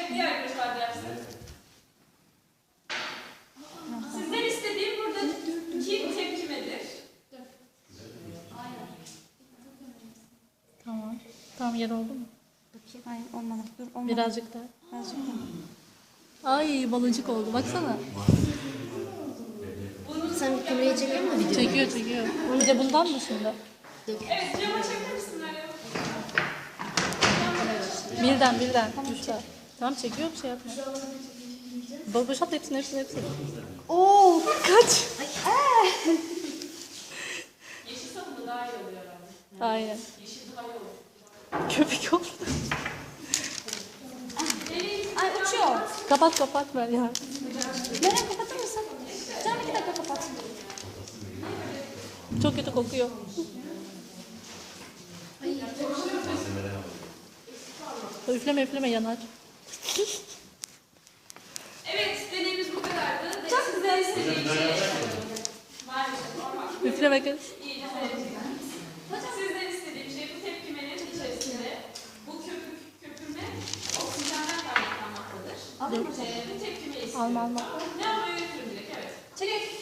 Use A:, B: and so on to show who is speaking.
A: Evet, diğer arkadaşlar da yapsın. Sizden istediğim buradaki tepkimedir.
B: Tamam. Tamam, yer oldu mu?
C: Bakayım. Hayır olmadı. Dur olmadı.
B: Birazcık daha.
C: Birazcık daha.
B: Ay, baloncuk oldu. Baksana.
D: Sen kamerayı çekiyor musun video?
B: Çekiyor çekiyor. Bir de bundan mı şimdi?
A: Evet, cama çeker misin Meryem?
B: Birden. Üçten. Tamam, çekiyor, bir şey yapma. Boşalt hepsini.
C: Oo.
B: Kaç.
A: Yeşil sabunla daha iyi oluyor herhalde.
B: Aynen.
A: Yeşil daha iyi olur.
B: Köpük oldu.
C: Ay uçuyor.
B: Kapat ver ya.
C: Meryem kapatır mısın? Canım 2 dakika kapat.
B: Çok kötü kokuyor. Üfleme yanar.
A: Evet, deneyimiz bu kadardı. Çok güzel. İstediğim şey maalesef normal.
B: Üfleme kız.
A: İyice seyredeceğiz. Sizden istediğim şey bu tepkimenin içerisinde bu köpürme oksijenden kaynaklanmaktadır. Bu tepkimeyi istiyorum.
B: Alma.
A: Ne yapmayı götürün direkt, evet. Çek.